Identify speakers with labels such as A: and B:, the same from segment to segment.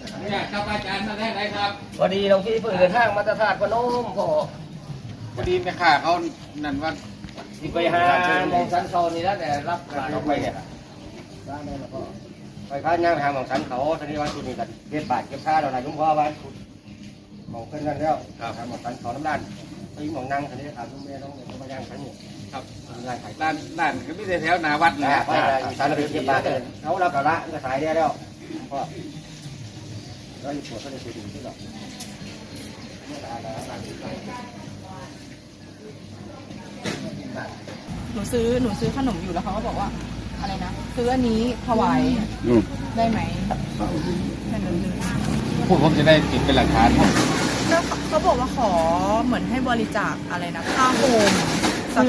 A: เนี่ยครับอาจารย์มาได้ไหนครับ
B: พอดีเราที่เพิ่งเดินทางมาตรฐานพนม
A: พอดีแม่ค้าเขานั่นว่า
B: ที่ไปหามองสันเขานี่แล้วแต่รับการออกไปเนี่ยไปค้าย่างทางมองสันเขาตอนนี้วันที่นี่กันเก็บบาทเก็บค่าเราไหนยุ่งพ่อวันมองขึ้นกันแล้วทางมองสันเขาน้ำด้านไปมองนั่งตอนนี้ถามลุงแม่น้องเนี่ยมาย่างสันนี่
A: ครับร้านก็มีแต่แถวหนาวัดแหละ
B: ไปสารพิษเก็บบาทเขาเรากระละก็ขายได้แล้วพ่อเราอยู่ปวดก็เลยไปดูที่เรา
C: หนูซื้อขนมอยู่แล้วเขาก็บอกว่าอะไรนะซื้ออันนี้ถวายได้ไหม
A: พูดผมจะได้ติดเป็นหลักฐาน
C: เขาบอกว่าขอเหมือนให้บริจาคอะไรนะค่าโฮมสัก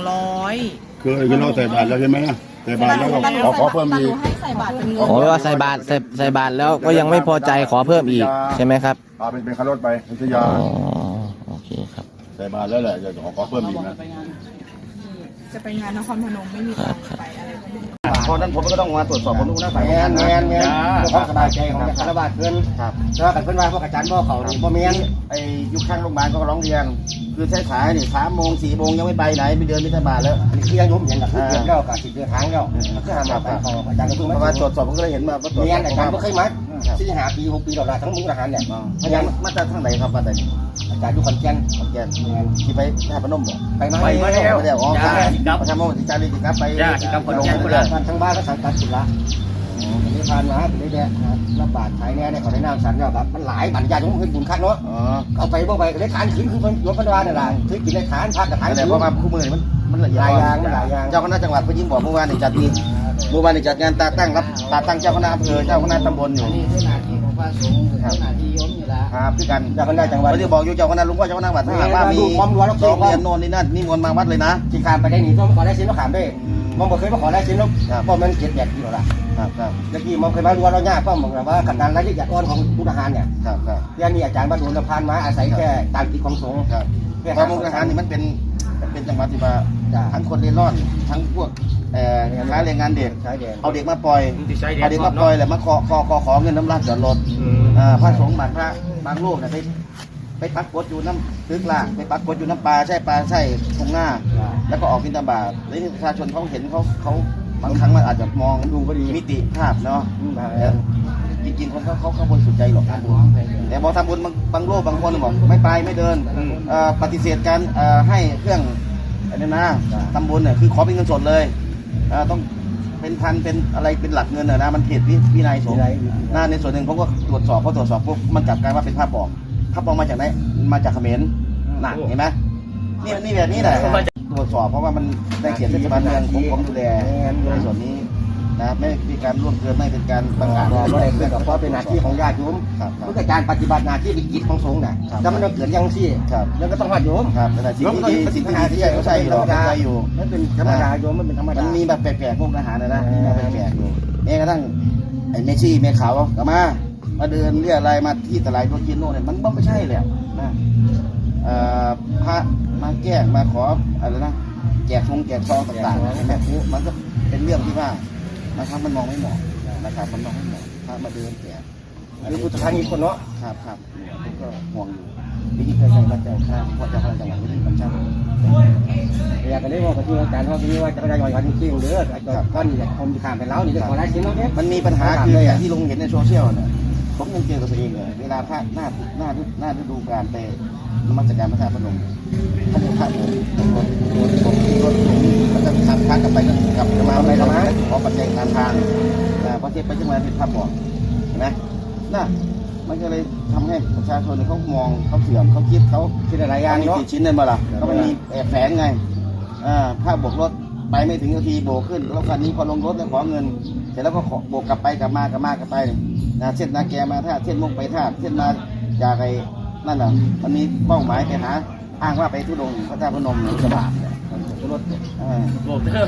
C: 200
D: คือเราใส่บาตรแล้วใช่ไหมนะใส่บาตรแล้วก็ขอเพิ่มอีก
C: ให้ใส่บาตรเป็นเงิน
E: โอ้ว่าใส่บาทแล้วก็ยังไม่พอใจขอเพิ่มอีกใช่ไหมครับ
D: เป็นคารถไปพัทยา
E: โอเคครับ
D: ใส่บาตรแล้วแหละจะขอเพิ่มอีกนะ
C: จะไปงานนครพนมไม่มีตังค์ไปอะไรก็ไม่รู้
B: เพราะนั้นผมก็ต้องมาตรวจสอบผมดูนะแมนเพื่อความสบายใจของคารวะเพื่อนครับแล้วกันเพื่อนว่าพวกอาจารย์พ่อเขาพ่อเมียนไอ้ยุคข้างโรงพยาบาลก็ร้องเรียนคือใช้สายนี่3 โมง 4 โมงยังไม่ไปไหนไม่เดินไม่สบายแล้วอันนี้คือยังยุ่งอย่างกับเดือนแล้วกับ10 เดือนครั้งแล้วมันก็ทำแบบเขาอาจารย์ก็เพิ่งมาตรวจสอบผมก็เลยเห็นมาว่าเมียนอาจารย์ก็เคยมา4-5 ปี 6 ปีเราละทั้งมุกทหารเนี่ยอาจารย์มาจากทางไหนครับมาจากอาจารย์อยู่ขอนแก่นเมียนที่ไปแค่พนมบ่ไปมาแล้วอ๋อครับทำมาที่จารีครับไปพนมทั้งบ้านก็สังกัดสุดละนี่ผ่านมาเป็นได้แน่รับบาทขายแน่เนี่ยเขาได้น้ำสันแล้วครับมันหลายบรรยายของเพื่อนบุญคักเนาะเอาไปบ่ไปได้ขานขินคือรถพนวาเนี่ยแหละคือกินได้ขานพักกับขานแต่เพราะว่าคู่มือมันหลายอย่างเจ้าคณะจังหวัดเพิ่งยิ้มบอกเมื่อวานจัดดีเมื่อวานจัดงานตาตั้งเจ้าคณะอำเภอเจ้าคณะตำบลอยู่นี่คือหน้าที่ของพระสงฆ์คือหน้าที่โยมอยู่แล้วครับพี่กันเจ้าคณะจังหวัดเขาจะบอกอยู่เจ้าคณะลุงพ่อเจ้าคณะวัดถ้าหากว่ามีความรั้วแล้วก็เรียนโน่นนี่นั่นนี่มนต์มาวัดเลยนะที่ขามไปได้หนีต้องขอได้ชิ้นแล้วขามได้มองบอกเคยมาขอได้ชิ้นแล้วเพราะมันเก็บแยกอยู่แล้วครับเมื่อกี้มองเคยมารั้วเราเนี่ยก็มองว่าขันดันรายละเอียดอ่อนของผู้ทหารเนี่ยเรื่องนี้อาจารย์บรรลุพานมาอาศัยแค่ตามกิจของสงฆ์เพราะมุกทหารนี่มันเป็นจังหวัดที่ว่าทั้งคนเร่ร่อนทั้งพวกค้าแรงงานเด็กเอาเด็กมาปล่อยแล้วมาขอเงินน้ำรัดจอดรถพระสงฆ์บางรูปเนี่ยไปปักกดอยู่น้ำตึกล่างไปปักกดอยู่น้ำปลาใช่ทงหน้าแล้วก็ออกบิณฑบาตแล้วประชาชนเขาเห็นเขาบางครั้งมันอาจจะมองดูมิติภาพเนาะจริงๆคนเขาบริสุทธิ์ใจหรอกทำบุญแต่พอทำบุญบางโลกบางคนบอกไม่ไปไม่เดินปฏิเสธการให้เครื่องอะไรนะทำบุญเนี่ยคือขอเป็นเงินสดเลยต้องเป็นพันเป็นอะไรเป็นหลักเงินนะมันผิดวินัยสงฆ์ในส่วนหนึ่งผมก็ตรวจสอบปุ๊บมันจับกลายว่าเป็นภาพปลอมมาจากไหนมาจากเขมรหนักเห็นไหมนี่แบบนี้แหละตรวจสอบเพราะว่ามันได้เขียนเทศบาลเมืองผมดูแลในส่วนนี้นะไม่มีการร่วมเกินไม่เป็นการบังอาจอะไรเพื่อเพราะเป็นหน้าที่ของญาติโยมเพื่อการปฏิบัติหน้าที่เป็นกิจของสงฆ์นะถ้ามันเกิดยังซี่แล้วก็ต้องญาติโยมแต่สิ่งที่ใหญ่ก็ใช่อยู่นั่นเป็นธรรมดาโยมมันเป็นธรรมดามันมีแบบแปลกๆพวกทหารนะมีแบบแปลกๆอยู่แม้กระทั่งไอ้เมชี่เมขาวก็มาเดินเรียอะไรมาที่ตลาดโรจิโน่เนี่ยมันไม่ใช่เลยนะพระมาแก้มาขออะไรนะแจกซองต่างๆแบบนี้มันก็เป็นเรื่องที่ว่านะครับมันมองไม่เหมาะนะครับมันมองไม่เหมาะพระมาเดินแจกคือพุทธทาสอีกคนเนาะครับผมก็ห่วงอยู่ที่เคยใช้มาแจกข้าวพอจะพลังจังหวัดที่กำชับอยากจะเรียกว่าปฏิบัติการว่าที่ว่าจะได้ย่อยวันจริงหรือก้อนเนี่ยผมจะข้ามไปแล้วนี่จะขอได้ชิ้นแล้วเนี่ยมันมีปัญหาคืออย่างที่ลุงเห็นในโซเชียลเนี่ยผมยังเจอกับตัวเองเลยเวลาพระหน้าฤดูการไปนมัสการพระธาตุพนมท่านพระรถมันจะขับพระกลับไปก็กลับมาไปแล้วนะขอปัจจัยทางพอเทียบไปจังหวัดเป็นภาพบอกเห็นไหมน่ะมันก็เลยทำให้ประชาชนเขามองเขาเสื่อมเขาคิดอะไรอย่างเนาะชิ้นเลยมาล่ะก็มันมีแฝงไงภาพบกรถไปไม่ถึงนาทีโบกขึ้นแล้วคันนี้พอลงรถแล้วขอเงินเสร็จแล้วก็โบกกลับไปเส้นนาแกมาท่าเส้นมุกไปท่าเส้นมาจากไอ้นั่นน่ะมันมีเป้าหมายไปหาอ้างว่าไปทุดงพระเจ้าพนมสบายรถโบกรถ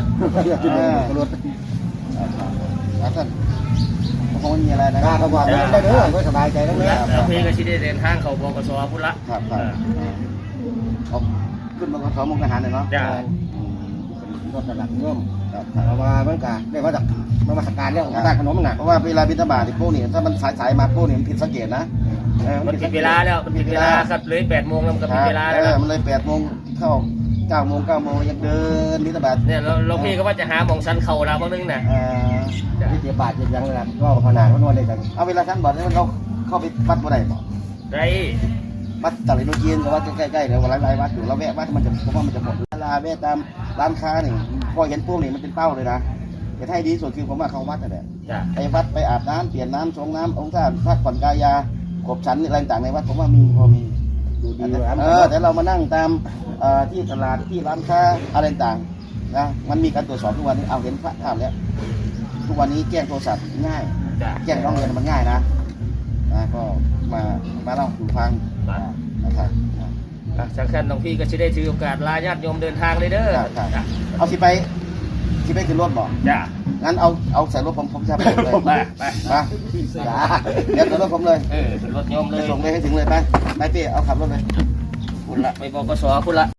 B: แล้วท่านคงไม่มีอะไรนะเขาบอกได้เด้อก็สบายใจแล้วเนี่ย
E: พี่ก็ชิได้เดินทางเขาบกสพุทธละ
B: ครับเขาขึ้นบกสมุกทหารเลยเนาะรถระดับร่วมเพราะว่ามันกะเรียกว่าจากมาตรการเรื่องของการขนมหนักเพราะว่าเวลาบิณฑบาตพวกนี้ถ้ามันสายมาพวกนี้มันผิดสังเกตนะ
F: มันผิดเวลาแล้วมันผิดเวลาครับเลย8 โมงแล้วมันก็ผิดเวลาแล้ว
B: มันเลย8 โมงเข้า9 โมง 9 โมงยังเดินบิณฑบาต
F: เนี่ยเราพี่ก็ว่าจะหาหมองสันเข่าเราบ้างนึงน่ะ
B: ที่เสียบาทยังเลยนะก็ขนาดเขานวดเลยกันเอาเวลาท่านบอกเราเข้าไปวัดบ่ได้บ่
F: ได้
B: วัดตะลิโนจีนกับวัดใกล้ๆเดี๋ยวหลายวัดอยู่เราแวะวัดมันจะเพราะว่ามันจะหมดเวลาแวะตามร้านค้านี่พอเห็นพวกนี้มันเป็นเป้าเลยนะแต่ให้ดีสุดคือผมว่าเข้าวัดนั่นแหละ
F: จ้ะ
B: ไปวัดไปอาบน้ำเปลี่ยนน้ำชงน้ำองค์ท่านพักผ่อนกายาขบฉันอะไรต่างๆในวัดผมว่ามีพอมีดูดีแต่เรามานั่งตามที่ตลาดที่ร้านค้าอะไรต่างๆนะมันมีการตรวจสอบทุกวันนี้เอาเห็นพระภาพแล้วทุกวันนี้แจ้งโทรศัพท์ง่าย
F: จ้ะ
B: แจ้งร้องเรียนมันง่ายนะก็มาเล่าสู่ฟังนะครับ
F: สังขันน้องพี่ก็จะได้ถือโอกาสลาญาติโยมเดินทางเลยเด้อจ้ะ
B: เอาสิไปขึ้นรถบ่
F: จ้ะ
B: งั้นเอาใส่รถผมจะไปเลย
F: ไป
B: มาเดี๋ยวใส่รถผมเลย
F: เป็นรถโยม
B: ไป
F: เลย
B: ส่งเลยให้ถึงเลยไปเปี้ยเอาขับรถเลย
F: คุณละไปบกสคุณละ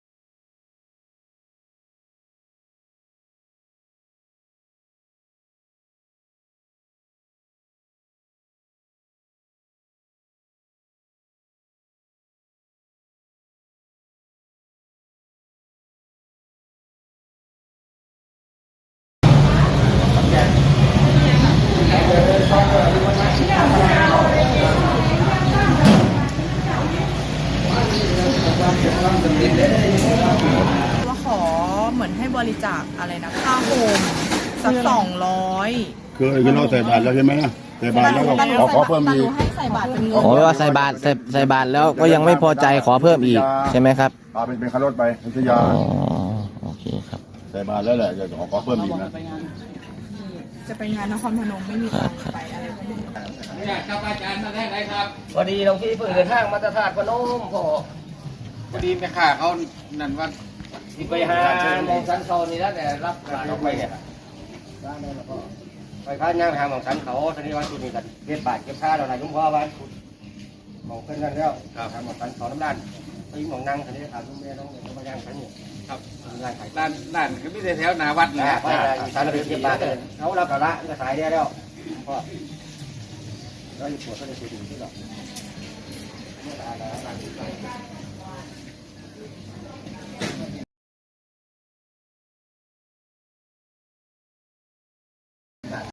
C: ว่าขอเหมือนให้บริจาคอะไรนะค่าโฮมสัก200
D: คือเราใส่บาตรแล้วใช่ไหมนะใส่บาตรแล้วก็ขอเพิ่มอีก
C: ให้ใส่บาตรเป็นเงิน
E: ขอว่าใส่บาตรใส่บาตรแล้วก็ยังไม่พอใจขอเพิ่มอีกใช่ไหมครับ
D: เป็นค่ารถไปพัทยา
E: อ๋อโอเคครับ
D: ใส่บาตรแล้วแหละจะขอเพิ่มอีกนะ
C: จะไปงานนครพนมไม่มีตังค์ไปอะไรพวกนี้
A: เนี่ยครับอาจารย์มาได้ไหนครับ
F: พอดีน้องพี่เพิ่งเดินทางมาจากธาตุพนมพ่อ
A: พอดีแม่ค้าเขานั่นว่า
F: ที่ไปหาหมองสันเข่านี่แล้วแต่รับหลานออกไปเนี่ย
B: ไปค้าย่างทางของฉันเขาตอนนี้วันจุดนี้กันเก็บบาทเก็บค่าเราไหนยุ่งพ่อวันมองขึ้นนั่นแล้วทางของฉันเขาน้ำด้านไปมองนั่งคันนี้ถามลุงแม่น้องเขามาย่างฉันนี่
A: ครับ
B: ย่างขาย
A: ร้านก็ไม่ได้แถวหนาวัดเลย
B: ไปอีสานเราเก็บบาทเขาเรากระละก็ขายได้แล้วพ่อเราอยู่ปวดก็เลยไปดูที่หรอก